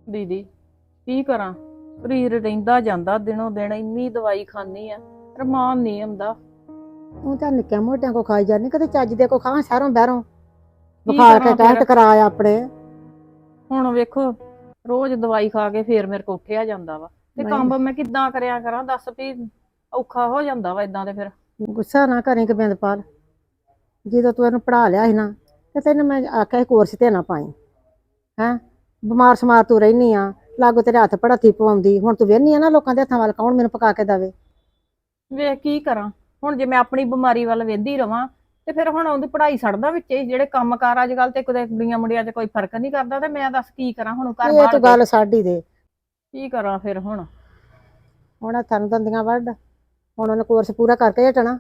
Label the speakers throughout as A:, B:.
A: ਦੀਦੀ ਕੀ ਕਰਾਂ। ਸਰੀਰ ਰਹਿੰਦਾ ਜਾਂਦਾ ਦਿਨੋਂ ਦਿਨ, ਇੰਨੀ ਦਵਾਈ ਖਾਂਦੀ ਆ, ਰਮਾਨ ਨਹੀਂ ਆਉਂਦਾ।
B: ਤੂੰ ਤਾਂ ਨਿੱਕਿਆਂ ਮੋਟਿਆਂ ਕੋ ਖਾਈ ਜਾਂਦੀ, ਕਦੇ ਚੱਜ ਦੇ ਕੋ ਖਾ ਸ਼ਹਿਰੋਂ ਬਹਿਰੋਂ
A: ਕੀ
B: ਵਿਖਾ ਕੇ
A: ਕਰਾਂ ਫਿਰ।
B: ਟੈਸਟ ਕਰਾਇਆ ਆਪਣੇ।
A: ਹੁਣ ਵੇਖੋ, ਰੋਜ਼ ਦਵਾਈ ਖਾ ਕੇ ਫੇਰ ਮੇਰੇ ਕੋ ਉੱਠਿਆ ਜਾਂਦਾ ਵਾ, ਤੇ
B: ਨਹੀਂ
A: ਕੰਮ ਮੈਂ ਕਿੱਦਾਂ ਕਰਿਆ ਕਰਾਂ ਦੱਸ ਵੀ। ਔਖਾ ਹੋ ਜਾਂਦਾ ਵਾ ਇਦਾਂ ਤੇ ਫਿਰ।
B: ਗੁੱਸਾ ਨਾ ਕਰੀ ਗੋਬਿੰਦਪਾਲ, ਜਦੋਂ ਤੂੰ ਇਹਨੂੰ ਪੜ੍ਹਾ ਲਿਆ ਸੀ ਨਾ, ਤੇ ਤੈਨੂੰ ਮੈਂ ਆਖਿਆ ਸੀ ਕੋਰਸ ਤੇ ਨਾ ਪਾਈ। ਹੈਂ, ਬਿਮਾਰ ਸਮਾਰ ਤੂੰ ਰਹਿਨੀ ਆ, ਲਾਗੋ ਤੇਰੇ ਹੱਥ ਪੜਾਤੀ ਪਵਾਉਂਦੀ, ਹੁਣ ਤੂੰ ਵੇਹਨੀ ਆ ਨਾ ਲੋਕਾਂ ਦੇ ਹੱਥਾਂ ਵੱਲ, ਕੌਣ ਮੈਨੂੰ ਪਕਾ ਕੇ ਦੇਵੇ।
A: ਵੇਖ ਕੀ ਕਰਾਂ। ਹੁਣ ਜੇ ਮੈਂ ਆਪਣੀ ਬਿਮਾਰੀ ਵੱਲ ਵੇਂਦੀ ਰਵਾਂ, ਤੇ ਫਿਰ ਹੁਣ ਉਹਦੀ ਪੜ੍ਹਾਈ ਛੱਡਦਾ ਵਿੱਚ ਹੀ। ਜਿਹੜੇ ਕੰਮ ਕਾਰ ਅੱਜ ਕੱਲ ਤੇ ਕਿਤੇ ਕੁੜੀਆਂ ਮੁੰਡਿਆਂ 'ਚ ਕੋਈ ਫਰਕ ਨਹੀਂ ਕਰਦਾ, ਤੇ ਮੈਂ ਦੱਸ ਕੀ ਕਰਾਂ ਹੁਣ ਘਰ
B: ਇਹ
A: ਬਾਹਰ
B: ਤੂੰ
A: ਕੇ।
B: ਗੱਲ ਛੱਡ ਹੀ ਦੇ।
A: ਕੀ ਕਰਾਂ ਫਿਰ ਹੁਣ।
B: ਹੁਣ ਹੱਥਾਂ ਨੂੰ ਦੰਦੀਆਂ ਵੱਢ, ਹੁਣ ਉਹਨੇ ਕੋਰਸ ਪੂਰਾ ਕਰਕੇ ਹਟਣਾ।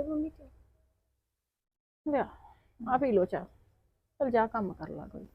A: ਲਿਆ ਆ ਪੀ ਲੋ ਚਾਹ, ਚਲ ਜਾ ਕੰਮ ਕਰ ਲਾ ਕੋਈ।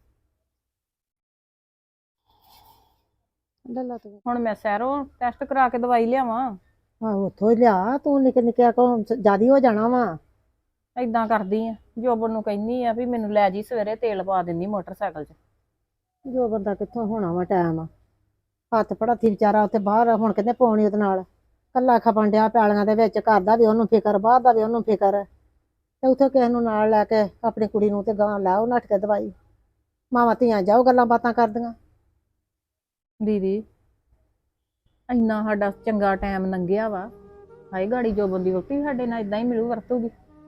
B: ਲੱਲਾ ਤੂੰ
A: ਹੁਣ ਮੈਂ ਸਹਿਰੋਂ ਟੈਸਟ ਕਰਾ ਕੇ ਦਵਾਈ ਲਿਆਵਾਂ।
B: ਆਹੋ ਉੱਥੋਂ ਹੀ ਲਿਆ, ਤੂੰ ਨਿੱਕੇ ਨਿੱਕਿਆ ਕੋ ਜਿਆਦੀ ਹੋ ਜਾਣਾ ਵਾ।
A: ਏਦਾਂ ਕਰਦੀ ਆ, ਜੋਬਨ ਨੂੰ ਕਹਿੰਦੀ ਆ ਵੀ ਮੈਨੂੰ ਲੈ ਜੀ ਸਵੇਰੇ, ਤੇਲ ਪਾ ਦਿੰਦੀ ਮੋਟਰਸਾਈਕਲ 'ਚ।
B: ਜੋ ਬੰਦਾ ਕਿੱਥੋਂ ਹੋਣਾ ਵਾ ਟਾਈਮ, ਹੱਥ ਪੜਾਤੀ ਵਿਚਾਰਾ ਉੱਥੇ ਬਾਹਰ, ਹੁਣ ਕਹਿੰਦੇ ਪਾਉਣੀ ਉਹਦੇ ਨਾਲ ਕੱਲਾ ਖਪਣ ਡਿਆ ਪੈਲੀਆਂ ਦੇ ਵਿੱਚ, ਘਰ ਦਾ ਵੀ ਉਹਨੂੰ ਫਿਕਰ, ਬਾਹਰ ਦਾ ਵੀ ਉਹਨੂੰ ਫਿਕਰ, ਤੇ ਉੱਥੇ ਕਿਸੇ ਨੂੰ ਨਾਲ ਲੈ ਕੇ ਆਪਣੀ ਕੁੜੀ ਨੂੰ ਤੇ ਗਾਂ ਲਾਓ ਨੱਠ ਕੇ ਦਵਾਈ। ਮਾਵਾਂ ਧੀਆਂ ਜਾਓ ਗੱਲਾਂ ਬਾਤਾਂ ਕਰਦੀਆਂ।
A: ਦੀਦੀ ਇੰਨਾ ਸਾਡਾ ਚੰਗਾ ਟਾਈਮ ਲੰਘਿਆ ਵਾ, ਹਾਏ ਗਾੜੀ ਜੋਬਨ ਦੀ ਵਹੁਟੀ ਸਾਡੇ ਨਾਲ ਇਦਾਂ ਹੀ ਮਿਲੂ ਵਰਤੂਗੀ।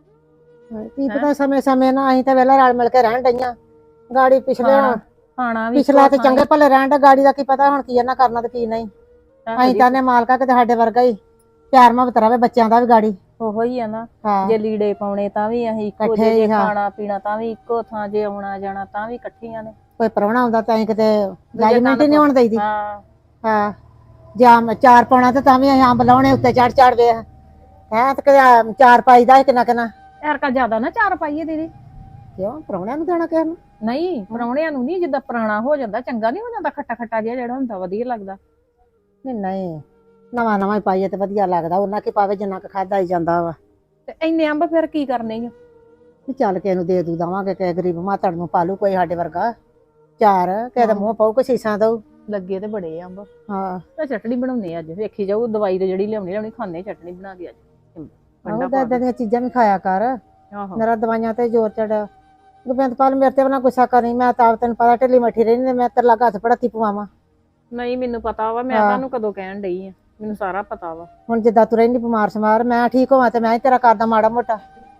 B: ਕੀ
A: ਹੈਂ?
B: ਪਤਾ ਸਮੇਂ ਸਮੇਂ ਨਾਲ ਅਸੀਂ ਤਾਂ ਵੇਲਾ ਰਲ ਮਿਲ ਕੇ ਰਹਿਣ ਡਈਆਂ, ਗਾੜੀ ਪਿਛਲੇ
A: ਖਾਣਾ ਖਾਣਾ ਵੀ
B: ਪਿਛਲਾ
A: ਇੱਕੋ
B: ਤੇ
A: ਥਾਂ ਹੀ।
B: ਚੰਗੇ ਭਲੇ ਰਹਿਣ ਡੇ, ਗਾੜੀ ਦਾ ਕੀ ਪਤਾ ਹੁਣ ਕੀ ਇਹਨਾਂ ਕਰਨਾ ਤੇ ਕੀ ਨਹੀਂ।
A: ਇਹੋ
B: ਅਸੀਂ
A: ਜਿਹੀ
B: ਤਾਂ ਨੇ ਮਾਲਕਾ ਕਿਤੇ ਸਾਡੇ ਵਰਗਾ ਹੀ ਪਿਆਰ ਮੁਹੱਬਤ ਰਵੇ ਬੱਚਿਆਂ ਦਾ ਵੀ ਗਾੜੀ।
A: ਉਹੋ ਹੀ ਆ ਨਾ।
B: ਹਾਂ
A: ਜੇ ਲੀੜੇ ਪਾਉਣੇ ਤਾਂ ਵੀ ਅਸੀਂ ਇੱਕੋ
B: ਇਕੱਠੇ
A: ਜਿਹੇ, ਜੇ
B: ਹੀ ਹਾਂ,
A: ਖਾਣਾ ਪੀਣਾ ਤਾਂ ਵੀ ਇੱਕੋ ਥਾਂ, ਜੇ ਆਉਣਾ ਜਾਣਾ ਤਾਂ ਵੀ ਇਕੱਠੀਆਂ ਨੇ।
B: ਕੋਈ ਪ੍ਰਾਹੁਣਾ ਆਉਂਦਾ ਤਾਂ ਅਸੀਂ ਕਿਤੇ
A: ਦੂਜੇ
B: ਜਜਮੈਂਟ
A: ਕੰਨ
B: ਹੀ ਨਹੀਂ ਹੋਣ ਦਈਦੀ।
A: ਹਾਂ।
B: ਹਾਂ, ਜਾਂ ਚਾਰ ਪਾਉਣਾ ਤੇ ਤਾਂ ਵੀ ਅਸੀਂ ਅੰਬ ਲਾਉਣੇ ਉੱਤੇ ਚੜ ਚੜ ਵੇ ਹੈ, ਤੇ ਕਿਤੇ ਚਾਰ ਪਾਈ ਦਾ ਕਿੰਨਾ ਕਿੰਨਾ।
A: ਐਰਕਾ ਜ਼ਿਆਦਾ ਨਾ ਚਾਰ ਪਾਈਏ ਦੀਦੀ।
B: ਕਿਉਂ ਪ੍ਰਾਹੁਣਿਆਂ ਨੂੰ ਦੇਣਾ ਕਿਸੇ ਨੂੰ?
A: ਨਹੀਂ ਪ੍ਰਾਹੁਣਿਆਂ ਨੂੰ ਨਹੀਂ, ਜਿੱਦਾਂ ਪੁਰਾਣਾ ਹੋ ਜਾਂਦਾ ਚੰਗਾ ਨਹੀਂ ਹੋ ਜਾਂਦਾ, ਖੱਟਾ ਖੱਟਾ ਜਿਹਾ ਜਿਹੜਾ ਹੁੰਦਾ ਵਧੀਆ ਲੱਗਦਾ।
B: ਨਹੀਂ ਨਹੀਂ, ਨਵਾਂ ਨਵਾਂ ਹੀ ਪਾਈਏ ਤੇ ਵਧੀਆ ਲੱਗਦਾ, ਉਹਨਾਂ ਕੀ ਪਾਵੇ ਜਿੰਨਾ ਕੁ ਖਾਦਾ ਹੀ ਜਾਂਦਾ ਵਾ।
A: ਤੇ ਇੰਨੇ ਅੰਬ ਫਿਰ ਕੀ ਕਰਨੇ ਈ ਓ?
B: ਵੀ ਚੱਲ ਕਿਸੇ ਨੂੰ ਦੇ ਦੂ ਦਵਾਂਗੇ, ਕਿਸੇ ਗਰੀਬ ਮਾਤੜ ਨੂੰ ਪਾਲੂ ਕੋਈ ਸਾਡੇ ਵਰਗਾ ਚਾਰ, ਕਿਸੇ ਦਾ ਮੂੰਹ ਪਾਊ ਕੋਈ ਸੀਸਾਂ ਦਊ।
A: ਲੱਗੇ ਤੇ ਬੜੇ ਅੰਬ।
B: ਹਾਂ
A: ਤਾਂ ਚਟਣੀ ਬਣਾਉਣੀ ਅੱਜ, ਵੇਖੀ ਜਾਊ ਦਵਾਈ ਤੇ ਜਿਹੜੀ ਲਿਆਉਣੀ ਖਾਣੇ ਚਟਣੀ ਬਣਾ ਕੇ ਅੱਜ।
B: ਆਹੋ
A: ਠੰਡਾ ਪਾ
B: ਏਦਾਂ
A: ਕੇ।
B: ਦੀਆਂ ਚੀਜ਼ਾਂ ਵੀ ਖਾਇਆ ਕਰ,
A: ਆਹੋ
B: ਮੇਰਾ ਦਵਾਈਆਂ ਤੇ ਜ਼ੋਰ ਚੜਿਆ। ਗੋਬਿੰਦਪਾਲ ਮੇਰੇ ਤੇ ਬਣਾ ਗੁੱਸਾ ਕਰੀ, ਮੈਂ ਤਾਂ ਤੈਨੂੰ ਪਤਾ ਢਿੱਲੀ ਮੱਠੀ ਰਹਿੰਦੀ, ਮੈਂ ਤੇਰੇ ਲਾਗੇ ਹੱਥ ਪੜਾਤੀ ਪਵਾਵਾਂ।
A: ਨਹੀਂ ਮੈਨੂੰ ਪਤਾ ਵਾ, ਮੈਂ
B: ਹਾਂ
A: ਤੁਹਾਨੂੰ ਕਦੋਂ ਕਹਿਣ ਡਈ ਆ, ਮੈਨੂੰ ਸਾਰਾ ਪਤਾ ਵਾ।
B: ਹੁਣ ਜਿੱਦਾਂ ਤੂੰ ਰਹਿੰਦੀ ਬਿਮਾਰ ਸਮਾਰ, ਮੈਂ ਠੀਕ ਹੋਵਾਂ ਤੇ ਮੈਂ ਹੀ ਤੇਰਾ ਕਰਦਾ ਮਾੜਾ ਮੋਟਾ।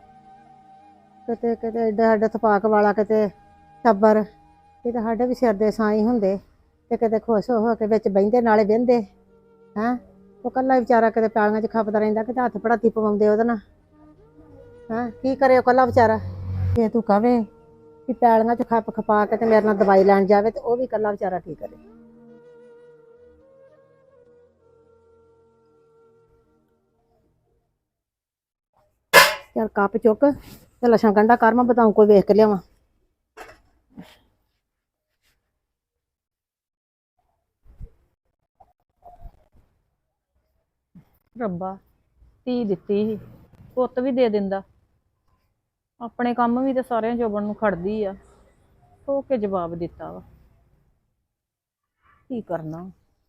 B: ਕਿਤੇ ਕਿਤੇ ਏਡਾ ਏਡਾ ਥਪਾਕ ਵਾਲਾ ਕਿਤੇ ਟੱਬਰ, ਕਿਤੇ ਸਾਡੇ ਵੀ ਸਿਰ ਦੇ ਸਾਈਂ ਹੁੰਦੇ, ਤੇ ਕਿਤੇ ਖੁਸ਼ ਹੋ ਕੇ ਵਿੱਚ ਬਹਿੰਦੇ ਨਾਲੇ ਬਹਿੰਦੇ। ਹੈਂ, ਉਹ ਕੱਲਾ ਵਿਚਾਰਾ ਕਿਤੇ ਪੈਲੀਆਂ 'ਚ ਖਪਦਾ ਰਹਿੰਦਾ, ਕਿਤੇ ਹੱਥ ਪੜਾਤੀ ਪਵਾਉਂਦੇ ਉਹਦੇ ਨਾਲ। ਹੈਂ, ਕੀ ਕਰੇ ਉਹ ਕੱਲਾ ਵਿਚਾਰਾ। ਜੇ ਤੂੰ ਕਵੇ ਕਿ ਪੈਲੀਆਂ 'ਚ ਖੱਪ ਖਪਾ ਕੇ ਤੇ ਮੇਰੇ ਨਾਲ ਦਵਾਈ ਲੈਣ ਜਾਵੇ, ਤੇ ਉਹ ਵੀ ਕੱਲਾ ਵਿਚਾਰਾ ਕੀ ਕਰੇ। ਚੱਲ ਕੱਪ ਚੁੱਕ ਤੇ ਲੱਛਣ ਗੰਢਾ ਕਰ, ਮੈਂ ਬਤਾਊ ਕੋਈ ਵੇਖ ਕੇ ਲਿਆਵਾਂ।
A: ਰੱਬਾ ਧੀ ਦਿੱਤੀ ਸੀ, ਪੁੱਤ ਵੀ ਦੇ ਦਿੰਦਾ। ਆਪਣੇ ਕੰਮ ਵੀ ਤੇ ਸਾਰਿਆਂ ਜੋਬਨ ਨੂੰ ਖੜਦੀ ਆ, ਹੋ ਕੇ ਜਵਾਬ ਦਿੱਤਾ ਵਾ। ਕੀ ਕਰਨਾ।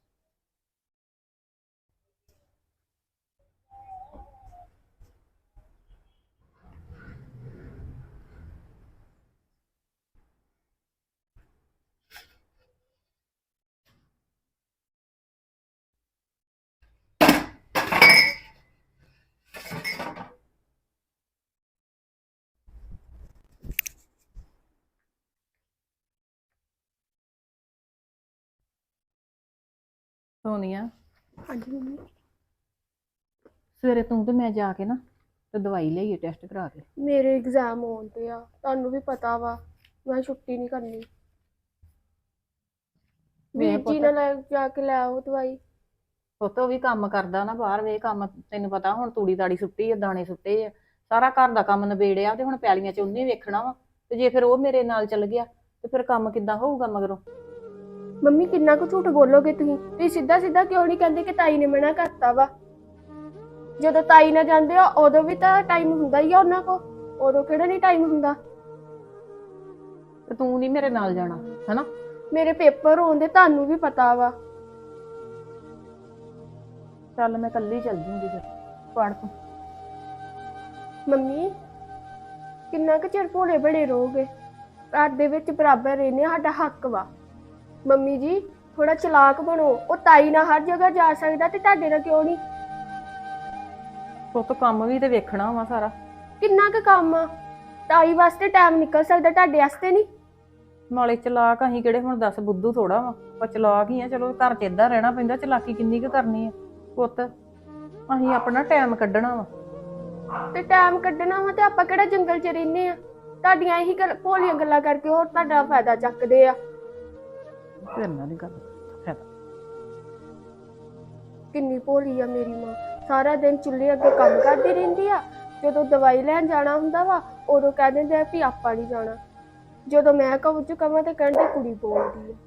A: ਸੋਨੀਆ,
C: ਹਾਂਜੀ ਮੰਮੀ।
A: ਸਵੇਰੇ ਤੂੰ ਤੇ ਮੈਂ ਜਾ ਕੇ ਨਾ ਤੇ ਦਵਾਈ ਲਈਏ ਟੈਸਟ ਕਰਾ ਕੇ।
C: ਮੇਰੇ ਐਗਜ਼ਾਮ ਹੋਣ ਤੇ ਆ, ਤੁਹਾਨੂੰ ਵੀ ਪਤਾ ਵਾ, ਮੈਂ ਛੁੱਟੀ ਨਹੀਂ ਕਰਨੀ।
A: ਵੇ
C: ਵੀਰ ਜੀ
A: ਪੁੱਤ,
C: ਨਾਲ ਜਾ ਕੇ ਲੈ ਆਓ ਦਵਾਈ।
A: ਪੁੱਤ ਉਹ ਵੀ ਕੰਮ ਕਰਦਾ ਨਾ ਬਾਹਰ, ਵੇ ਕੰਮ ਤੈਨੂੰ ਪਤਾ, ਹੁਣ ਤੂੜੀ ਤਾੜੀ ਸੁੱਟੀ ਆ, ਦਾਣੇ ਸੁੱਟੇ ਆ, ਸਾਰਾ ਘਰ ਦਾ ਕੰਮ ਨਿਬੇੜਿਆ, ਤੇ ਹੁਣ ਪੈਲੀਆਂ 'ਚ ਉਹਨੇ ਵੇਖਣਾ ਵਾ। ਤੇ ਜੇ ਫਿਰ ਉਹ ਮੇਰੇ ਨਾਲ ਚੱਲ ਗਿਆ ਤੇ ਫਿਰ ਕੰਮ ਕਿੱਦਾਂ ਹੋਊਗਾ ਮਗਰੋਂ।
C: ਮੰਮੀ ਕਿੰਨਾ ਕੁ ਝੂਠ ਬੋਲੋਗੇ ਤੁਸੀਂ ਸਿੱਧਾ ਸਿੱਧਾ ਕਿਉਂ ਨਹੀਂ ਕਹਿੰਦੇ ਕਿ ਤਾਈ ਨੇ ਮਨਾ ਕਰਤਾ ਵਾ? ਜਦੋਂ ਤਾਈ ਨਾਲ ਜਾਂਦੇ ਆ ਉਦੋਂ ਵੀ ਤਾਂ ਟਾਈਮ ਹੁੰਦਾ ਹੀ ਆ ਉਹਨਾਂ ਕੋ, ਉਦੋਂ ਕਿਹੜਾ ਨਹੀਂ ਟਾਈਮ ਹੁੰਦਾ?
A: ਤੇ ਤੂੰ ਨਹੀਂ ਮੇਰੇ ਨਾਲ ਜਾਣਾ, ਹਨਾ?
C: ਮੇਰੇ ਪੇਪਰ ਹੋਣ ਦੇ ਤੁਹਾਨੂੰ ਵੀ ਪਤਾ ਵਾ।
A: ਚੱਲ ਮੈਂ ਕੱਲੀ ਚੱਲ ਜੂੰਗੀ ਫਿਰ, ਪੜ ਤੂੰ।
C: ਮੰਮੀ ਕਿੰਨਾ ਕੁ ਚਿਰ ਭੋਲੇ ਬੜੇ ਰਹੋਗੇ? ਘਰ ਦੇ ਵਿੱਚ ਬਰਾਬਰ ਰਹਿਣੇ ਸਾਡਾ ਹੱਕ ਵਾ। ਮੰਮੀ ਜੀ ਥੋੜਾ ਚਲਾਕ ਬਣੋ। ਉਹ ਤਾਈ ਨਾਲ ਹਰ ਜਗ੍ਹਾ ਜਾ ਸਕਦਾ ਤੇ ਤੁਹਾਡੇ ਨਾਲ ਕਿਉਂ ਨਹੀਂ?
A: ਪੁੱਤ ਕੰਮ ਵੀ ਤੇ ਵੇਖਣਾ ਵਾ ਸਾਰਾ।
C: ਕਿੰਨਾ ਕੁ ਕੰਮ ਆ? ਤਾਈ ਵਾਸਤੇ ਟਾਈਮ ਨਿਕਲ ਸਕਦਾ, ਤੁਹਾਡੇ ਵਾਸਤੇ ਨਹੀਂ।
A: ਨਾਲੇ ਚਲਾਕ ਅਸੀਂ ਕਿਹੜੇ ਹੁਣ ਦੱਸ ਬੁੱਧੂ ਥੋੜਾ ਵਾ, ਆਪਾਂ ਚਲਾਕ ਹੀ ਆ। ਚਲੋ ਘਰ 'ਚ ਏਦਾਂ ਰਹਿਣਾ ਪੈਂਦਾ, ਚਲਾਕੀ ਕਿੰਨੀ ਕੁ ਕਰਨੀ ਆ ਪੁੱਤ। ਅਸੀਂ ਆਪਣਾ ਟਾਈਮ ਕੱਢਣਾ ਵਾ।
C: ਤੇ ਟਾਈਮ ਕੱਢਣਾ ਵਾ ਤੇ ਆਪਾਂ ਕਿਹੜਾ ਜੰਗਲ 'ਚ ਰਹਿੰਦੇ ਆ? ਤੁਹਾਡੀਆਂ ਇਹੀ ਭੋਲੀਆਂ ਗੱਲਾਂ ਕਰਕੇ ਹੋਰ ਤੁਹਾਡਾ ਫਾਇਦਾ ਚੱਕਦੇ ਆ।
A: ਫਿਰ ਨਾ ਦੀ ਗੱਲ ਫਾਇਦਾ।
C: ਕਿੰਨੀ ਭੋਲੀ ਆ ਮੇਰੀ ਮਾਂ, ਸਾਰਾ ਦਿਨ ਚੁੱਲ੍ਹੇ ਅੱਗੇ ਕੰਮ ਕਰਦੀ ਰਹਿੰਦੀ ਆ। ਜਦੋਂ ਦਵਾਈ ਲੈਣ ਜਾਣਾ ਹੁੰਦਾ ਵਾ ਉਦੋਂ ਕਹਿ ਦਿੰਦੇ ਆ ਵੀ ਆਪਾਂ ਨਹੀਂ ਜਾਣਾ। ਜਦੋਂ ਮੈਂ ਕੁਝ ਕਵਾਂ ਤੇ ਕਹਿੰਦੇ ਕੁੜੀ ਬੋਲਦੀ ਆ।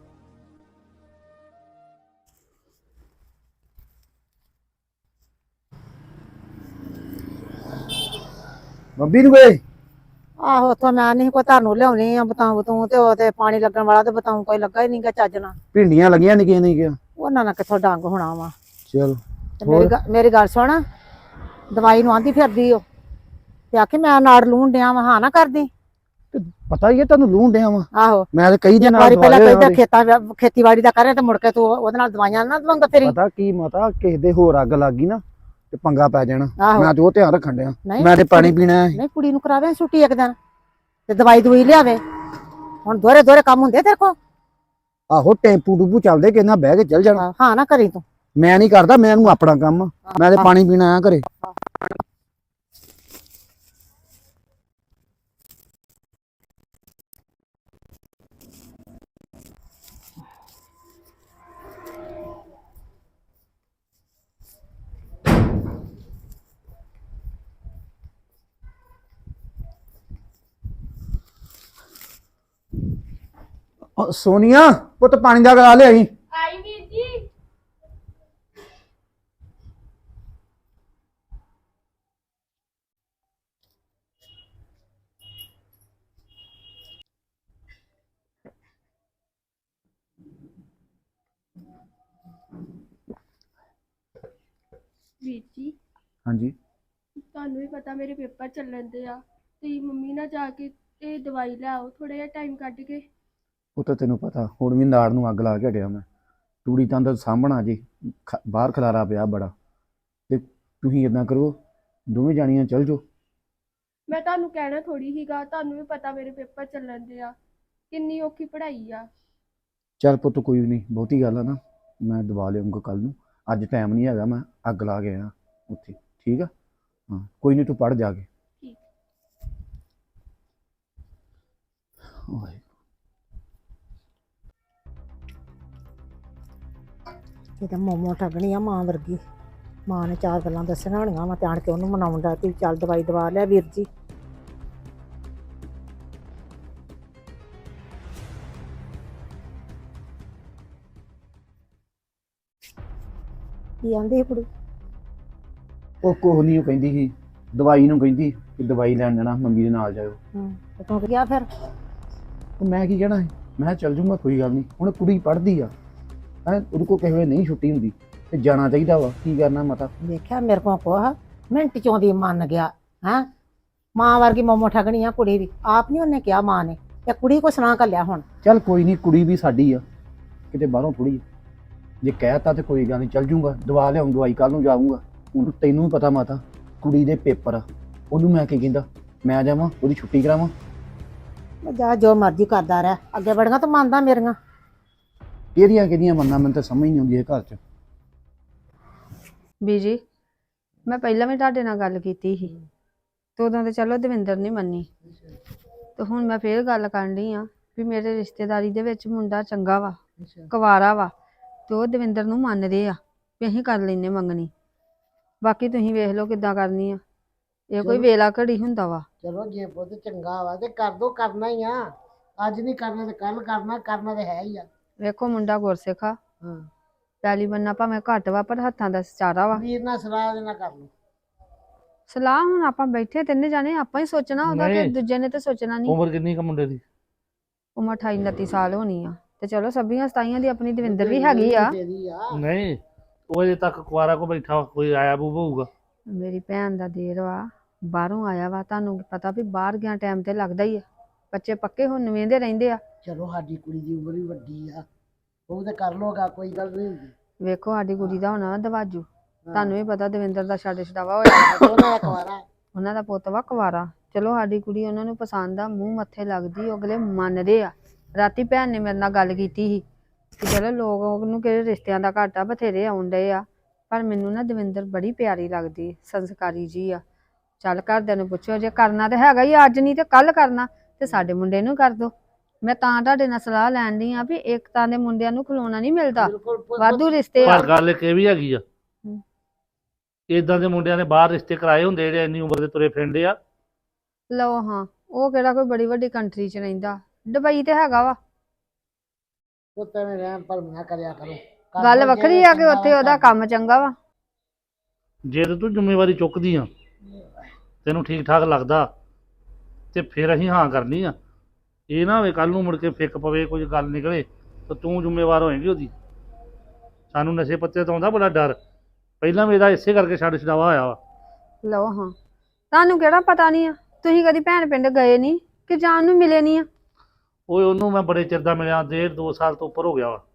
D: ਮੰਮੀ ਨੂੰ ਗਏ
B: ਆਹੋ ਉੱਥੋਂ ਮੈਂ ਨਹੀਂ ਕੋਈ ਤੁਹਾਨੂੰ ਲਿਆਉਣੀ ਆ ਬਤਾਉ ਤੂੰ ਤੇ ਉਹ ਤੇ ਪਾਣੀ ਲੱਗਣ ਵਾਲਾ ਤੇ ਬਤਾਉ ਕੋਈ ਲੱਗਾ ਹੀ ਨਹੀਂਗਾ ਚੱਜ ਨਾਲ।
D: ਭਿੰਡੀਆਂ ਲੱਗੀਆਂ ਨਿੱਕੀਆਂ ਨਿੱਕੀਆਂ।
B: ਉਹਨਾਂ ਨਾਲ ਕਿੱਥੋਂ ਡੰਗ ਹੋਣਾ ਵਾ।
D: ਚਲੋ
B: ਤੇ ਮੇਰੀ ਗੱਲ ਸੁਣ, ਦਵਾਈ ਨੂੰ ਆਂਦੀ ਫਿਰਦੀ ਓ ਤੇ ਆਖੀ ਮੈਂ ਨਾੜ ਲੂਣ ਡਿਆ ਵਾ, ਹਾਂ ਨਾ ਕਰਦੀ।
D: ਤੇ ਪਤਾ ਹੀ ਹੈ ਤੁਹਾਨੂੰ ਲੂਣ ਡਿਆ ਵਾ।
B: ਆਹੋ
D: ਮੈਂ ਤੇ ਕਈ ਦਿਨ
B: ਵਾਰੀ ਪਹਿਲਾਂ ਕਹਿੰਦਾ ਖੇਤੀਬਾੜੀ ਦਾ ਕਰੇ ਤੇ ਮੁੜ ਕੇ ਤੂੰ ਉਹਦੇ ਨਾਲ ਦਵਾਈਆਂ ਨਾ ਦਵਾਉਂਦਾ ਤੇਰੀ।
D: ਪਤਾ ਕੀ ਮਾਤਾ, ਕਿਸੇ ਦੇ ਹੋਰ ਅੱਗ ਲੱਗ ਗਈ ਨਾ ਤੇ ਪੰਗਾ ਪੈ ਜਾਣਾ।
B: ਆਹੋ।
D: ਮੈਂ ਤੇ ਉਹ ਧਿਆਨ ਰੱਖਣ ਡਿਆ।
B: ਨਹੀਂ,
D: ਮੈਂ ਤੇ ਪਾਣੀ ਪੀਣਾ ਹੈ।
B: ਨਹੀਂ ਕੁੜੀ ਨੂੰ ਕਰਾਵੇ ਛੁੱਟੀ ਇੱਕ ਦਿਨ ਤੇ ਦਵਾਈ ਦਵਾਈ ਲਿਆਵੇ। ਹੁਣ ਦੋਰੇ ਦੋਰੇ ਕੰਮ ਹੁੰਦੇ ਤੇਰੇ ਕੋਲ?
D: ਆਹੋ ਟੈਂਪੂ ਟੂਪੂ ਚੱਲਦੇ ਕਿ ਨਾ ਬਹਿ ਕੇ ਚੱਲ ਜਾਣਾ।
B: ਹਾਂ ਨਾ ਕਰੀ ਤੂੰ।
D: ਮੈਂ ਨਹੀਂ ਕਰਦਾ, ਮੈਨੂੰ ਆਪਣਾ ਕੰਮ ਆ। ਮੈਂ ਤੇ ਪਾਣੀ ਪੀਣਾ ਆਇਆ ਘਰੇ। ਸੋਨੀਆ ਪੁੱਤ ਪਾਣੀ ਦਾ ਗਲਾ ਲਿਆਈ।
C: ਆਈ ਵੀਰ ਜੀ। ਵੀਰ ਜੀ
D: ਹਾਂਜੀ
C: ਤੁਹਾਨੂੰ ਵੀ ਪਤਾ ਮੇਰੇ ਪੇਪਰ ਚੱਲਣ ਦੇ ਆ। ਤੁਸੀਂ ਮੰਮੀ ਨਾਲ ਜਾ ਕੇ ਤੇ ਦਵਾਈ ਲੈ ਆਓ ਥੋੜਾ ਜਿਹਾ ਟਾਈਮ ਕੱਢ ਕੇ।
D: ਉਹ ਤਾਂ ਤੈਨੂੰ ਪਤਾ ਹੁਣ ਵੀ ਨਾੜ ਨੂੰ ਅੱਗ ਲਾ ਕੇ ਹਟਿਆ ਮੈਂ। ਤੂੜੀ ਤਾਂ ਅੰਦਰ ਸਾਂਭਣਾ ਜੀ, ਬਾਹਰ ਖਲਾਰਾ ਪਿਆ ਬੜਾ। ਤੇ ਤੁਸੀਂ ਇਦਾਂ ਕਰੋ, ਦੋਵੇਂ ਜਾਣੀਆਂ ਚੱਲ ਜਾਓ।
C: ਮੈਂ ਤੁਹਾਨੂੰ ਕਹਿਣਾ ਥੋੜੀ ਹੀਗਾ, ਤੁਹਾਨੂੰ ਵੀ ਪਤਾ ਮੇਰੇ ਪੇਪਰ ਚੱਲਣ ਦੇ ਆ, ਕਿੰਨੀ ਔਖੀ ਪੜ੍ਹਾਈ ਆ।
D: ਚੱਲ ਪੁੱਤ ਕੋਈ ਨਹੀਂ, ਬਹੁਤੀ ਗੱਲ ਆ ਨਾ, ਮੈਂ ਦਵਾ ਲਿਆਉਂਗਾ ਕੱਲ ਨੂੰ। ਅੱਜ ਟਾਈਮ ਨਹੀਂ ਹੈਗਾ, ਮੈਂ ਅੱਗ ਲਾ ਕੇ ਆਇਆ ਉੱਥੇ। ਠੀਕ ਆ? ਹਾਂ ਕੋਈ ਨਹੀਂ, ਤੂੰ ਪੜ੍ਹ ਜਾ ਕੇ।
C: ਠੀਕ।
D: ਓਏ
B: ਇਹ ਤਾਂ ਮੋਮੋ ਠੱਗਣੀ ਆ ਮਾਂ ਵਰਗੀ। ਮਾਂ ਨੇ ਚਾਰ ਗੱਲਾਂ ਦੱਸੀਆਂ ਹੋਣੀਆਂ ਵਾ ਤੇ ਆਣ ਕੇ ਉਹਨੂੰ ਮਨਾਉਣ ਦਾ ਤੇ ਚੱਲ ਦਵਾਈ ਦਵਾ ਲਿਆ ਵੀਰ ਜੀ। ਕੀ ਆਂਦੀ ਕੁੜੀ?
D: ਉਹ ਕੁਛ ਨਹੀਂ, ਉਹ ਕਹਿੰਦੀ ਸੀ ਦਵਾਈ ਨੂੰ, ਕਹਿੰਦੀ ਕਿ ਦਵਾਈ ਲੈਣ ਜਾਣਾ, ਮੰਮੀ ਦੇ ਨਾਲ ਜਾਇਓ।
B: ਤੇ ਤੂੰ ਗਿਆ ਫਿਰ?
D: ਉਹ ਮੈਂ ਕੀ ਕਹਿਣਾ ਸੀ, ਮੈਂ ਕਿਹਾ ਚੱਲ ਜੂੰਗਾ, ਕੋਈ ਗੱਲ ਨਹੀਂ। ਹੁਣ ਕੁੜੀ ਪੜ੍ਹਦੀ ਆ ਹੈ, ਉਹਦੇ ਕੋਲ ਕਿਸੇ ਵੇਲੇ ਨਹੀਂ ਛੁੱਟੀ ਹੁੰਦੀ ਤੇ ਜਾਣਾ ਚਾਹੀਦਾ ਵਾ। ਕੀ ਕਰਨਾ ਮਤਾ।
B: ਵੇਖਿਆ ਮੇਰੇ ਕੋਲ ਕੋਹ ਮਿੰਟ ਚੋਂ ਦੀ ਮੰਨ ਗਿਆ ਹੈ। ਮਾਂ ਵਰਗੀ ਮੋਮੋ ਠੱਗਣੀ ਆ ਕੁੜੀ ਵੀ। ਆਪ ਨਹੀਂ ਉਹਨੇ ਕਿਹਾ ਮਾਂ ਨੇ, ਤੇ ਕੁੜੀ ਕੋ ਸੁਣਾ ਘੱਲਿਆ ਹੁਣ।
D: ਚੱਲ ਕੋਈ ਨਹੀਂ, ਕੁੜੀ ਵੀ ਸਾਡੀ ਆ, ਕਿਤੇ ਬਾਹਰੋਂ ਥੋੜੀ। ਜੇ ਕਹਿਤਾ ਤੇ ਕੋਈ ਗੱਲ ਨਹੀਂ, ਚੱਲ ਜੂੰਗਾ, ਦਵਾ ਲਿਆਉਂ ਦਵਾਈ, ਕੱਲ ਨੂੰ ਜਾਊਂਗਾ। ਹੁਣ ਤੈਨੂੰ ਵੀ ਪਤਾ ਮਾਤਾ, ਕੁੜੀ ਦੇ ਪੇਪਰ ਆ, ਉਹਨੂੰ ਮੈਂ ਕੀ ਕਹਿੰਦਾ, ਮੈਂ ਜਾਵਾਂ ਉਹਦੀ ਛੁੱਟੀ ਕਰਾਵਾਂ?
B: ਜਾ ਜੋ ਮਰਜ਼ੀ ਕਰਦਾ ਰਹਿ, ਅੱਗੇ ਬੜੀਆਂ ਤਾਂ ਮੰਨਦਾ ਮੇਰੀਆਂ।
D: ਕਿਹਦੀਆਂ ਕਿਹਦੀਆਂ ਮੰਨਾਂ, ਮੈਨੂੰ ਤਾਂ ਸਮਝ ਨਹੀਂ ਆਉਂਦੀ ਇਹ ਘਰ 'ਚ।
E: ਬੀਜੀ ਮੈਂ ਪਹਿਲਾਂ ਵੀ ਤੁਹਾਡੇ ਨਾਲ ਗੱਲ ਕੀਤੀ ਸੀ ਤੇ ਉਦੋਂ ਤੇ ਚਲੋ ਦਵਿੰਦਰ ਨਹੀਂ ਮੰਨੀ, ਤੇ ਹੁਣ ਮੈਂ ਫੇਰ ਗੱਲ ਕਰਨ ਡਈ ਆ ਵੀ ਮੇਰੇ ਰਿਸ਼ਤੇਦਾਰੀ ਦੇ ਵਿੱਚ ਮੁੰਡਾ ਚੰਗਾ ਵਾ, ਕੁਵਾਰਾ ਵਾ, ਤੇ ਉਹ ਦਵਿੰਦਰ ਨੂੰ ਮੰਨਦੇ ਆ ਵੀ ਅਸੀਂ ਕਰ ਲੈਨੇ ਮੰਗਣੀ। ਬਾਕੀ ਤੁਸੀਂ ਵੇਖ ਲਓ ਕਿੱਦਾਂ ਕਰਨੀ ਆ, ਇਹ ਕੋਈ ਵੇਲਾ ਘੜੀ ਹੁੰਦਾ ਵਾ।
B: ਚਲੋ ਜੇ ਪੁੱਤ ਚੰਗਾ ਵਾ ਤੇ ਕਰ ਦੋ, ਕਰਨਾ ਹੀ ਆ। ਅੱਜ ਨਹੀਂ ਕਰਨਾ ਤੇ ਕੱਲ ਕਰਨਾ, ਕਰਨਾ ਤੇ ਹੈ ਹੀ ਆ।
E: ਵੇਖੋ ਮੁੰਡਾ ਗੁਰਸਿੱਖ ਆ,
B: ਹਾਂ
E: ਪੈਲੀ ਬੰਨਾ ਭਾਵੇਂ ਘੱਟ ਵਾ ਪਰ ਹੱਥਾਂ ਦਾ ਚਾਰਾ ਵਾ।
B: ਵੀਰ ਨਾਲ ਸਲਾਹ ਦੇ ਨਾਲ ਕਰ ਲਓ।
E: ਸਲਾਹ ਹੁਣ ਆਪਾਂ ਬੈਠੇ ਤਿੰਨੇ ਜਾਣੇ, ਆਪਾਂ ਹੀ ਸੋਚਣਾ ਉਹਦਾ, ਕਿ ਦੂਜੇ ਨੇ ਤੇ ਸੋਚਣਾ ਨਹੀਂ।
F: ਉਮਰ ਕਿੰਨੀ ਕੁ ਮੁੰਡੇ ਦੀ?
E: ਉਮਰ 28 29 ਸਾਲ ਹੋਣੀ ਆ। ਤੇ ਚਲੋ ਸਭੀਆਂ ਸਤਾਈਆਂ ਦੀ ਆਪਣੀ ਦਵਿੰਦਰ ਵੀ ਹੈਗੀ ਆ।
F: ਨਹੀਂ ਉਹ ਅਜੇ ਤੱਕ ਕੁਆਰਾ ਕੋ ਬੈਠਾ ਕੋਈ ਆਇਆ ਬੂ ਹੋਊਗਾ।
E: ਮੇਰੀ ਭੈਣ ਦਾ ਦੇਰ ਵਾ, ਬਾਹਰੋਂ ਆਇਆ ਵਾ, ਤੁਹਾਨੂੰ ਪਤਾ ਵੀ ਬਾਹਰ ਗਿਆ ਟਾਈਮ ਤੇ ਲੱਗਦਾ ਹੀ ਆ। ਬੱਚੇ ਪੱਕੇ ਹੁਣ ਨਵੇਂਦੇ ਰਹਿੰਦੇ ਆ।
B: ਚਲੋ ਸਾਡੀ ਕੁੜੀ ਦੀ ਉਮਰ ਵੀ ਵੱਡੀ ਆ, ਉਹ ਤੇ ਕਰ ਲੋਗਾ, ਕੋਈ ਗੱਲ ਨਹੀਂ ਹੁੰਦੀ।
E: ਵੇਖੋ ਸਾਡੀ ਕੁੜੀ ਦਾ ਹੋਣਾ ਦਵਾਜੂ, ਤੁਹਾਨੂੰ ਵੀ ਪਤਾ ਦਵਿੰਦਰ ਦਾ ਛੱਡ ਛਡਾਵਾ ਹੋਇਆ।
B: ਉਹਨਾਂ ਦਾ ਕੁਆਰਾ
E: ਉਹਨਾਂ ਦਾ ਪੁੱਤ ਵਾ ਕੁਵਾਰਾ। ਚਲੋ ਸਾਡੀ ਕੁੜੀ ਉਹਨਾਂ ਨੂੰ ਪਸੰਦ ਆ, ਮੂੰਹ ਮੱਥੇ ਲੱਗਦੀ, ਉਹ ਅਗਲੇ ਮੰਨਦੇ ਆ। ਰਾਤੀ ਭੈਣ ਨੇ ਮੇਰੇ ਨਾਲ ਗੱਲ ਕੀਤੀ ਸੀ ਕਿ ਚਲੋ ਲੋਕ ਉਹਨੂੰ ਕਿਹੜੇ ਰਿਸ਼ਤਿਆਂ ਦਾ ਘਾਟਾ ਬਥੇਰੇ ਆਉਣ ਡਏ ਆ, ਪਰ ਮੈਨੂੰ ਨਾ ਦਵਿੰਦਰ ਬੜੀ ਪਿਆਰੀ ਲੱਗਦੀ, ਸੰਸਕਾਰੀ ਜੀ ਆ। ਚੱਲ ਘਰਦਿਆਂ ਨੂੰ ਪੁੱਛੋ, ਜੇ ਕਰਨਾ ਤੇ ਹੈਗਾ ਹੀ ਆ, ਅੱਜ ਨਹੀਂ ਤੇ ਕੱਲ ਕਰਨਾ, ਤੇ ਸਾਡੇ ਮੁੰਡੇ ਨੂੰ ਕਰ ਦੋ। ਮੈਂ ਤਾਂ ਤੁਹਾਡੇ ਨਾਲ ਸਲਾਹ ਲੈਣ ਦੀ ਆ ਵੀ ਇੱਕ ਤਾਂ ਦੇ ਮੁੰਡਿਆਂ ਨੂੰ ਖਲੋਣਾ ਨਹੀਂ ਮਿਲਦਾ, ਵਾਧੂ ਰਿਸ਼ਤੇ ਆ।
F: ਪਰ ਗੱਲ ਇੱਕ ਇਹ ਵੀ ਹੈਗੀ ਆ, ਇਦਾਂ ਦੇ ਮੁੰਡਿਆਂ ਨੇ ਬਾਹਰ ਰਿਸ਼ਤੇ ਕਰਾਏ ਹੁੰਦੇ ਜਿਹੜੇ ਇੰਨੀ ਉਮਰ ਦੇ ਤੁਰੇ ਫਿਰਦੇ ਆ।
E: ਲਓ ਹਾਂ, ਉਹ ਕਿਹੜਾ ਕੋਈ ਬੜੀ ਵੱਡੀ ਕੰਟਰੀ 'ਚ ਰਹਿੰਦਾ, ਦੁਬਈ ਤੇ ਹੈਗਾ ਵਾ।
B: ਪੁੱਤਾਂ ਨੇ ਰਹਿਣ ਪਰ ਨਾ ਕਰਿਆ ਕਰੋ।
E: ਗੱਲ ਵੱਖਰੀ ਆ ਕਿ ਉੱਥੇ ਉਹਦਾ ਕੰਮ ਚੰਗਾ ਵਾ।
F: ਜੇ ਤੇ ਤੂੰ ਜ਼ਿੰਮੇਵਾਰੀ ਚੁੱਕਦੀ ਆ, ਤੈਨੂੰ ਠੀਕ ਠਾਕ ਲੱਗਦਾ, ਤੇ ਫਿਰ ਅਸੀਂ ਹਾਂ ਕਰਨੀ ਆ। ਇਹ ਨਾ ਹੋਵੇ ਕੱਲ ਨੂੰ ਮੁੜ ਕੇ ਫਿੱਕ ਪਵੇ, ਕੁਝ ਗੱਲ ਨਿਕਲੇ ਤਾਂ ਤੂੰ ਜ਼ਿੰਮੇਵਾਰ ਹੋਏਂਗੀ ਉਹਦੀ। ਸਾਨੂੰ ਨਸ਼ੇ ਪੱਤੇ ਤੋਂ ਆਉਂਦਾ ਬੜਾ ਡਰ, ਪਹਿਲਾਂ ਵੀ ਇਹਦਾ ਇਸੇ ਕਰਕੇ ਛੱਡ ਛਡਾਵਾ ਹੋਇਆ ਵਾ।
E: ਲਓ ਹਾਂ, ਤੁਹਾਨੂੰ ਕਿਹੜਾ ਪਤਾ ਨਹੀਂ ਆ, ਤੁਸੀਂ ਕਦੀ ਭੈਣ ਪਿੰਡ ਗਏ ਨਹੀਂ ਕਿ ਜਾਣ ਨੂੰ ਮਿਲੇ ਨਹੀਂ ਆ?
F: ਓਏ ਉਹਨੂੰ ਮੈਂ ਬੜੇ ਚਿਰ ਦਾ ਮਿਲਿਆ, 1.5-2 ਸਾਲ ਤੋਂ ਉੱਪਰ ਹੋ ਗਿਆ ਵਾ।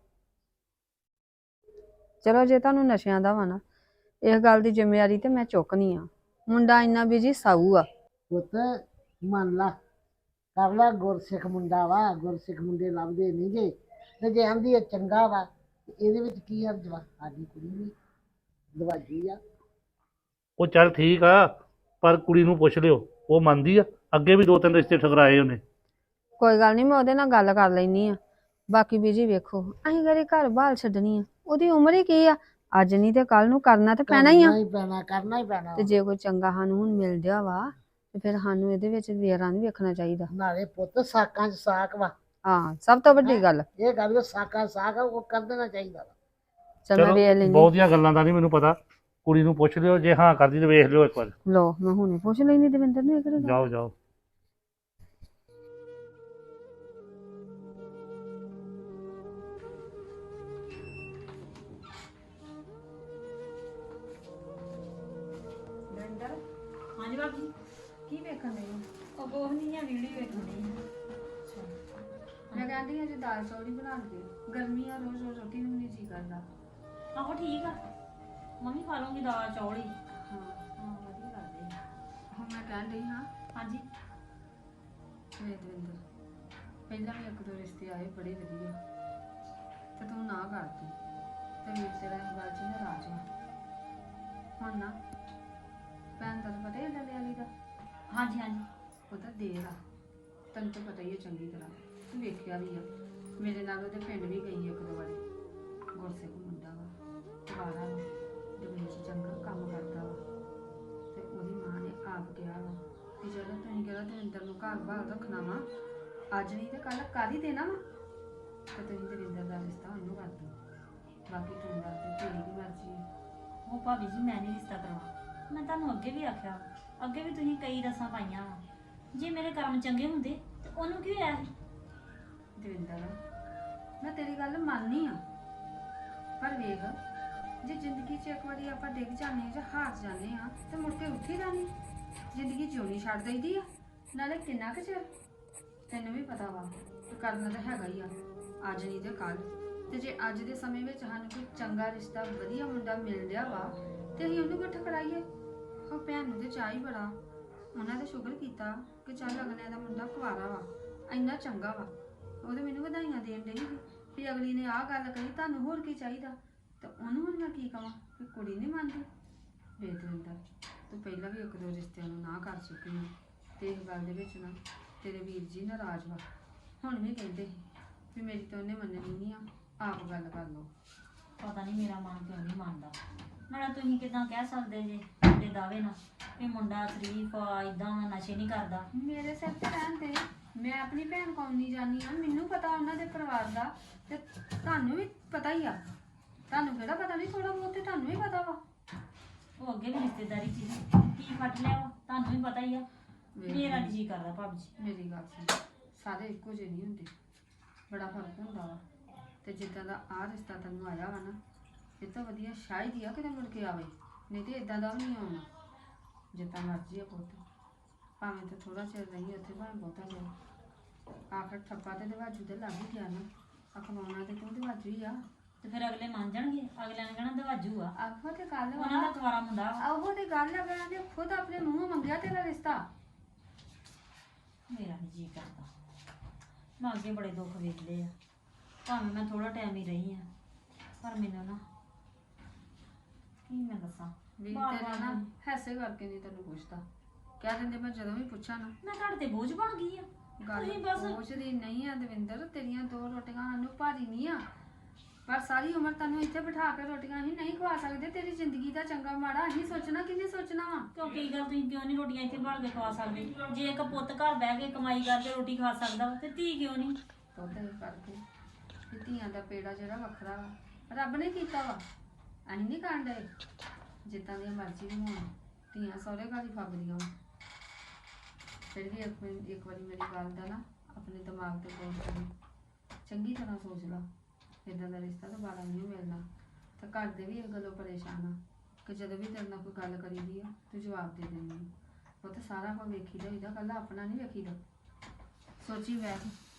E: ਚਲੋ ਜੇ ਤੁਹਾਨੂੰ ਨਸ਼ਿਆਂ ਦਾ ਵਾ ਨਾ, ਇਸ ਗੱਲ ਦੀ ਜ਼ਿੰਮੇਵਾਰੀ ਤੇ ਮੈਂ ਚੁੱਕਣੀ ਆ। ਮੁੰਡਾ ਇੰਨਾ ਬਿਜੀ ਸਾਊ ਆ।
B: ਪੁੱਤ ਮੰਨ ਲਾ, ਕਰ ਲਾ, ਗੁਰਸਿੱਖ ਮੁੰਡਾ ਵਾ, ਗੁਰਸਿੱਖ ਮੁੰਡੇ ਲੱਭਦੇ ਨਹੀਂ ਜੇ, ਤੇ ਜੇ ਆਂਦੀ ਚੰਗਾ ਵਾ ਤੇ ਇਹਦੇ ਵਿੱਚ ਕੀ ਹਰਜ ਵਾ? ਸਾਡੀ ਕੁੜੀ ਵੀ ਦਵਾਜੀ ਆ।
F: ਉਹ ਚੱਲ ਠੀਕ ਆ, ਪਰ ਕੁੜੀ ਨੂੰ ਪੁੱਛ ਲਿਓ, ਉਹ ਮੰਨਦੀ ਆ। ਅੱਗੇ ਵੀ 2-3 ਰਿਸ਼ਤੇ ਠਕਰਾਏ ਉਹਨੇ।
E: ਕੋਈ ਗੱਲ ਨਹੀਂ, ਮੈਂ ਉਹਦੇ ਨਾਲ ਗੱਲ ਕਰ ਲੈਣੀ ਆ। ਬਾਕੀ ਬੀਜੀ ਵੇਖੋ, ਅਸੀਂ ਕਦੇ ਘਰ ਬਾਹਰ ਛੱਡਣੀ ਆ? ਉਹਦੀ ਉਮਰ ਹੀ ਕੀ ਆ, ਅੱਜ ਨਹੀਂ ਤੇ ਕੱਲ ਨੂੰ ਕਰਨਾ ਤੇ ਪੈਣਾ ਹੀ ਆ।
B: ਕਰਨਾ ਹੀ ਪੈਣਾ
E: ਤੇ ਜੇ ਕੋਈ ਚੰਗਾ ਸਾਨੂੰ ਹੁਣ ਮਿਲ ਗਿਆ ਵਾ, ਤੇ ਫਿਰ ਸਾਨੂੰ ਇਹਦੇ ਵਿੱਚ ਵੇਰਾਂ ਨਹੀਂ ਵੇਖਣਾ ਚਾਹੀਦਾ।
B: ਨਾਲੇ ਪੁੱਤ ਸਾਕਾਂ 'ਚ ਸਾਕ ਵਾ,
E: ਹਾਂ, ਸਭ ਤੋਂ ਵੱਡੀ ਗੱਲ।
B: ਇਹ ਗੱਲ ਸਾਕਾਂ ਸਾਕ ਆ, ਉਹ ਕਰ ਦੇਣਾ ਚਾਹੀਦਾ ਵਾ।
E: ਚਲ ਮੈਂ ਵੇਖ ਲੈਣੀ।
F: ਬਹੁਤੀਆਂ ਗੱਲਾਂ ਦਾ ਨਹੀਂ ਮੈਨੂੰ ਪਤਾ, ਕੁੜੀ ਨੂੰ ਪੁੱਛ ਲਿਓ, ਜੇ ਹਾਂ ਕਰਦੀ ਤੇ ਵੇਖ ਲਿਓ ਇੱਕ ਵਾਰ।
E: ਲੋ ਮੈਂ ਹੁਣੇ ਪੁੱਛ ਲੈਣੀ ਦਵਿੰਦਰ ਨੂੰ, ਇਹ ਕਿਹੜੀ ਗੱਲ।
F: ਜਾਓ ਜਾਓ।
A: ਹਾਂਜੀ ਬਾਬੀ,
E: ਕੀ ਵੇਖਣ ਲਈ?
A: ਉਹ ਕੋਹ ਨਹੀਂ ਆ, ਵੀਡੀਓ ਵੇਖਣੀ ਆ।
E: ਮੈਂ ਕਹਿੰਦੀ ਹਾਂ ਜੇ ਦਾਲ ਚੌਲ ਹੀ ਬਣਾ ਦੇ, ਗਰਮੀ ਆ, ਰੋਜ਼ ਰੋਜ਼ ਰੋਟੀ ਨੂੰ ਨਹੀਂ ਜੀ ਕਰਦਾ।
A: ਆਹੋ ਠੀਕ ਆ, ਮੰਮੀ ਖਾ ਲੂੰਗੀ ਦਾਲ ਚੌਲ ਹੀ।
E: ਹਾਂ
A: ਹਾਂ ਵਧੀਆ ਲੱਗਦੇ ਆ।
E: ਹੁਣ ਮੈਂ ਕਹਿਣ ਡਈ ਹਾਂ,
A: ਹਾਂਜੀ
E: ਵੇ ਦਵਿੰਦਰ, ਪਹਿਲਾਂ ਵੀ ਇੱਕ ਦੋ ਰਿਸ਼ਤੇ ਆਏ ਬੜੇ ਵਧੀਆ, ਤੇ ਤੂੰ ਨਾ ਕਰਦੀ, ਤੇ ਵੀਰ ਤੇਰਾ ਇਸ ਗੱਲ 'ਚ ਨਾਰਾਜ਼ ਆ। ਹੁਣ ਨਾ ਭੈਣ ਦਾ ਤਾਂ ਪਤਾ ਹੀ ਡੱਲੇ ਵਾਲੀ ਦਾ,
A: ਹਾਂਜੀ ਹਾਂਜੀ
E: ਉਹਦਾ ਦੇਰ ਆ, ਤੈਨੂੰ ਤਾਂ ਪਤਾ ਹੀ ਹੈ ਚੰਗੀ ਤਰ੍ਹਾਂ, ਤੂੰ ਵੇਖਿਆ ਵੀ ਆ। ਮੇਰੇ ਨਾਲ ਉਹਦੇ ਪਿੰਡ ਵੀ ਗਈ ਇੱਕ ਦੋ ਵਾਰੀ। ਗੁਰਸਿੱਖ ਮੁੰਡਾ ਵਾ, ਬਾਹਰ ਦੁਬਈ 'ਚ ਚੰਗਾ ਕੰਮ ਕਰਦਾ ਵਾ, ਤੇ ਉਹਦੀ ਮਾਂ ਨੇ ਆਪ ਕਿਹਾ ਵਾ ਕਿ ਜਦੋਂ ਤੁਸੀਂ ਕਿਹੜਾ ਦਵਿੰਦਰ ਨੂੰ ਘਰ ਬਾਹਰ ਰੱਖਣਾ ਵਾ, ਅੱਜ ਨਹੀਂ ਤੇ ਕੱਲ ਕਰ ਹੀ ਦੇਣਾ ਵਾ, ਤੇ ਤੁਸੀਂ ਦਵਿੰਦਰ ਦਾ ਰਿਸ਼ਤਾ ਉਹਨੂੰ ਕਰ ਦਿਓ। ਬਾਕੀ ਤੂੰ ਦੱਸ ਦੇ, ਤੇਰੀ ਕੀ ਮਰਜ਼ੀ ਹੈ।
A: ਉਹ ਭਾਬੀ ਜੀ ਮੈਂ ਨਹੀਂ ਰਿਸ਼ਤਾ ਕਰਵਾ, ਮੈਂ ਤੁਹਾਨੂੰ ਅੱਗੇ ਵੀ ਆਖਿਆ, ਅੱਗੇ ਵੀ ਤੁਸੀਂ ਕਈ ਰਸਾਂ ਪਾਈਆਂ ਵਾ। ਜੇ ਮੇਰੇ ਕਰਮ ਚੰਗੇ ਹੁੰਦੇ ਤੇ ਉਹਨੂੰ ਕੀ ਹੋਇਆ ਸੀ?
E: ਦਵਿੰਦਰ, ਮੈਂ ਤੇਰੀ ਗੱਲ ਮੰਨਨੀ ਆ, ਪਰ ਵੇਖ, ਜੇ ਜ਼ਿੰਦਗੀ 'ਚ ਇੱਕ ਵਾਰੀ ਆਪਾਂ ਡਿੱਗ ਜਾਂਦੇ ਜਾਂ ਹਾਰ ਜਾਂਦੇ ਆ ਤੇ ਮੁੜ ਕੇ ਉੱਠੀ ਜਾਣੀ, ਜ਼ਿੰਦਗੀ ਜਿਉਣੀ ਛੱਡ ਦਈਦੀ ਆ। ਨਾਲੇ ਕਿੰਨਾ ਕੁ ਚਿਰ, ਤੈਨੂੰ ਵੀ ਪਤਾ ਵਾ ਕਿ ਕਰਨਾ ਤਾਂ ਹੈਗਾ ਹੀ ਆ, ਅੱਜ ਨਹੀਂ ਤੇ ਕੱਲ। ਤੇ ਜੇ ਅੱਜ ਦੇ ਸਮੇਂ ਵਿੱਚ ਸਾਨੂੰ ਕੋਈ ਚੰਗਾ ਰਿਸ਼ਤਾ, ਵਧੀਆ ਮੁੰਡਾ ਮਿਲ ਰਿਹਾ ਵਾ, ਤੇ ਅਸੀਂ ਉਹਨੂੰ ਕਿਉਂ ਠਕਰਾਈਏ? ਉਹ ਭੈਣ ਨੂੰ ਤੇ ਚਾਹ ਹੀ ਬੜਾ, ਉਹਨਾਂ ਨੇ ਸ਼ੁਕਰ ਕੀਤਾ ਕਿ ਚੱਲ ਅਗਲੇ ਦਾ ਮੁੰਡਾ ਕੁਆਰਾ ਵਾ, ਇੰਨਾ ਚੰਗਾ ਵਾ। ਉਹਦੇ ਮੈਨੂੰ ਵਧਾਈਆਂ ਦੇਣ ਡਈ ਸੀ ਵੀ ਅਗਲੀ ਨੇ ਆਹ ਗੱਲ ਕਹੀ, ਤੁਹਾਨੂੰ ਹੋਰ ਕੀ ਚਾਹੀਦਾ? ਤੇ ਉਹਨੂੰ ਹੁਣ ਮੈਂ ਕੀ ਕਵਾਂ ਕਿ ਕੁੜੀ ਨਹੀਂ ਮੰਨਦੀ? ਵੇਖ ਦਵਿੰਦਰ, ਤੂੰ ਪਹਿਲਾਂ ਵੀ ਇੱਕ ਦੋ ਰਿਸ਼ਤਿਆਂ ਨੂੰ ਨਾ ਕਰ ਚੁੱਕੀ ਹੈ, ਤੇ ਇਸ ਗੱਲ ਦੇ ਵਿੱਚ ਨਾ ਤੇਰੇ ਵੀਰ ਜੀ ਨਾਰਾਜ਼ ਵਾ। ਹੁਣ ਵੀ ਕਹਿੰਦੇ ਸੀ ਵੀ ਮੇਰੀ ਤਾਂ ਉਹਨੇ ਮੰਨਣੀ ਨਹੀਂ ਆ, ਆਪ ਗੱਲ ਕਰ ਲਓ।
A: ਪਤਾ ਨਹੀਂ ਮੇਰਾ ਮਨ ਕਿਉਂ ਨਹੀਂ ਮੰਨਦਾ। ਨਾਲੇ ਤੁਸੀਂ ਕਿਦਾਂ ਕਹਿ ਸਕਦੇ ਜੇ ਤੁਹਾਡੇ ਦਾਅਵੇ ਨਾਲ ਵੀ ਮੁੰਡਾ ਸ਼ਰੀਫ ਆ, ਇਦਾਂ ਨਸ਼ੇ ਨਹੀਂ ਕਰਦਾ?
E: ਮੇਰੇ ਸਿਰ ਤੇ ਰਹਿਣ ਤੇ, ਮੈਂ ਆਪਣੀ ਭੈਣ ਕੋਲ ਨਹੀਂ ਜਾਣੀ ਆ, ਮੈਨੂੰ ਪਤਾ ਉਹਨਾਂ ਦੇ ਪਰਿਵਾਰ ਦਾ, ਤੇ ਤੁਹਾਨੂੰ ਵੀ ਪਤਾ ਹੀ ਆ। ਤੁਹਾਨੂੰ ਕਿਹੜਾ ਪਤਾ ਨਹੀਂ, ਥੋੜਾ ਬਹੁਤ ਤੇ ਤੁਹਾਨੂੰ ਵੀ ਪਤਾ ਵਾ।
A: ਉਹ ਅੱਗੇ ਵੀ ਰਿਸ਼ਤੇਦਾਰੀ ਚ ਕੀ ਫਟ ਲਿਆ ਵਾ, ਤੁਹਾਨੂੰ ਵੀ ਪਤਾ ਹੀ ਆ। ਮੇਰਾ ਨਹੀਂ ਜੀ ਕਰਦਾ ਭਾਬੀ ਜੀ।
E: ਮੇਰੀ ਗੱਲ ਸੁਣ, ਸਾਰੇ ਇੱਕੋ ਜਿਹੇ ਨਹੀਂ ਹੁੰਦੇ, ਬੜਾ ਫਰਕ ਹੁੰਦਾ ਵਾ। ਤੇ ਜਿੱਦਾਂ ਦਾ ਆਹ ਰਿਸ਼ਤਾ ਤੈਨੂੰ ਆਇਆ ਵਾ ਨਾ, ਇਹ ਤਾਂ ਵਧੀਆ ਸ਼ਾਇਦ ਹੀ ਆ ਕਿਤੇ ਮੁੜ ਕੇ ਆਵੇ, ਨਹੀਂ ਤੇ ਇਦਾਂ ਦਾ ਵੀ ਨਹੀਂ ਆਉਣਾ। ਜਿੱਦਾਂ ਮਰਜ਼ੀ ਆ ਪੁੱਤ, ਭਾਵੇਂ ਤੇ ਥੋੜਾ ਚਿਰ ਰਹੀ ਉੱਥੇ, ਭਾਵੇਂ ਬਹੁਤਾ ਚਿਰ, ਆਖਰ ਠੱਪਾ ਤੇ ਦਵਾਜੂ ਦੇ ਲੱਗ ਹੀ ਗਿਆ ਨਾ, ਅਖਵਾਉਣਾ ਤੇ ਤੂੰ ਦਵਾਜੂ ਹੀ ਆ।
G: ਤੇ ਫਿਰ ਅਗਲੇ ਮੰਨ ਜਾਣਗੇ, ਅਗਲਿਆਂ ਨੇ ਕਹਿਣਾ ਦਵਾਜੂ ਆ,
E: ਆਹੋ ਤੇ ਗੱਲ
G: ਉਹਨਾਂ ਦਾ ਕੁਆਰਾ ਮੁੰਡਾ ਵਾ।
E: ਆਹੋ ਤੇ ਗੱਲ ਆ, ਮੈਂ ਨੇ ਖੁਦ ਆਪਣੇ ਮੂੰਹੋਂ ਮੰਗਿਆ ਤੇਰਾ ਰਿਸ਼ਤਾ।
G: ਮੇਰਾ ਨਹੀਂ ਜੀ ਕਰਦਾ, ਮੈਂ ਅੱਗੇ ਬੜੇ ਦੁੱਖ ਵੇਖ ਲਏ ਆ, ਭਾਵੇਂ ਮੈਂ ਥੋੜਾ ਟਾਈਮ ਹੀ ਰਹੀ ਆ, ਪਰ ਮੈਨੂੰ ਨਾ ਕੀ ਮੈਂ ਦੱਸਾਂ,
E: ਵੀ
G: ਬਾਰ-ਬਾਰ
E: ਤੇਰਾ ਨਾ ਹੈਸੇ ਕਰਕੇ ਨਹੀਂ ਤੈਨੂੰ ਪੁੱਛਦਾ, ਕਹਿ ਦਿੰਦੇ ਮੈਂ ਜਦੋਂ ਵੀ ਪੁੱਛਾਂ ਨਾ।
G: ਮੈਂ ਤੁਹਾਡੇ ਤੇ ਬੋਝ ਬਣ ਗਈ ਆ।
E: ਗੱਲ
G: ਤੁਸੀਂ ਬਸ
E: ਪੁੱਛਦੀ ਨਹੀਂ ਆ ਦਵਿੰਦਰ, ਤੇਰੀਆਂ 2 ਰੋਟੀਆਂ ਸਾਨੂੰ ਭਾਰੀ ਨਹੀਂ ਆ, ਪਰ ਸਾਰੀ ਉਮਰ ਤੈਨੂੰ ਇੱਥੇ ਬਿਠਾ ਕੇ ਰੋਟੀਆਂ ਹੀ ਨਹੀਂ ਖਵਾ ਸਕਦੇ। ਤੇਰੀ ਜ਼ਿੰਦਗੀ ਦਾ ਚੰਗਾ ਮਾੜਾ ਅਸੀਂ ਸੋਚਣਾ, ਕਿਹਨੇ ਸੋਚਣਾ ਵਾ?
G: ਕਿਉਂ ਕੀ ਗੱਲ, ਤੁਸੀਂ ਕਿਉਂ ਨਹੀਂ ਰੋਟੀਆਂ ਇੱਥੇ ਭਾਲ ਕੇ ਖਵਾ ਸਕਦੇ? ਜੇ ਇੱਕ ਪੁੱਤ ਘਰ ਬਹਿ ਕੇ ਕਮਾਈ ਕਰਕੇ ਰੋਟੀ ਖਾ ਸਕਦਾ ਵਾ, ਤੇ ਧੀ ਕਿਉਂ ਨਹੀਂ?
E: ਦੁੱਧ ਕਰਕੇ ਵੀ ਧੀਆਂ ਦਾ ਪੇੜਾ ਜਿਹੜਾ ਵੱਖਰਾ ਵਾ, ਰੱਬ ਨੇ ਕੀਤਾ ਵਾ, ਅਸੀਂ ਨਹੀਂ ਕਰਨ ਡਏ। ਜਿੱਦਾਂ ਦੀਆਂ ਮਰਜ਼ੀ ਵੀ ਹੋਣ, ਧੀਆਂ ਸਹੁਰੇ ਘਰ ਹੀ ਫੱਬਦੀਆਂ ਵਾ। ਫਿਰ ਵੀ ਇੱਕ ਵਾਰੀ ਮੇਰੀ ਗੱਲ ਦਾ ਨਾ ਆਪਣੇ ਦਿਮਾਗ ਤੇ ਗੌਰ ਕਰੀ, ਚੰਗੀ ਤਰ੍ਹਾਂ ਸੋਚ ਲਾ, ਇੱਦਾਂ ਦਾ ਰਿਸ਼ਤਾ ਦੁਬਾਰਾ ਨਹੀਂ ਮਿਲਣਾ। ਤੇ ਘਰ ਦੇ ਵੀ ਇਸ ਗੱਲੋਂ ਪਰੇਸ਼ਾਨ ਆ ਕਿ ਜਦੋਂ ਵੀ ਤੇਰੇ ਨਾਲ ਕੋਈ ਗੱਲ ਕਰੀਦੀ ਆ ਤੂੰ ਜਵਾਬ ਦੇ ਦਿੰਦੀ ਆ। ਉਹ ਤਾਂ ਸਾਰਾ ਕੁਝ ਵੇਖੀਦਾ ਹੋਈਦਾ, ਕੱਲਾ ਆਪਣਾ ਨਹੀਂ ਵੇਖੀਦਾ। ਸੋਚੀ ਬੈਠ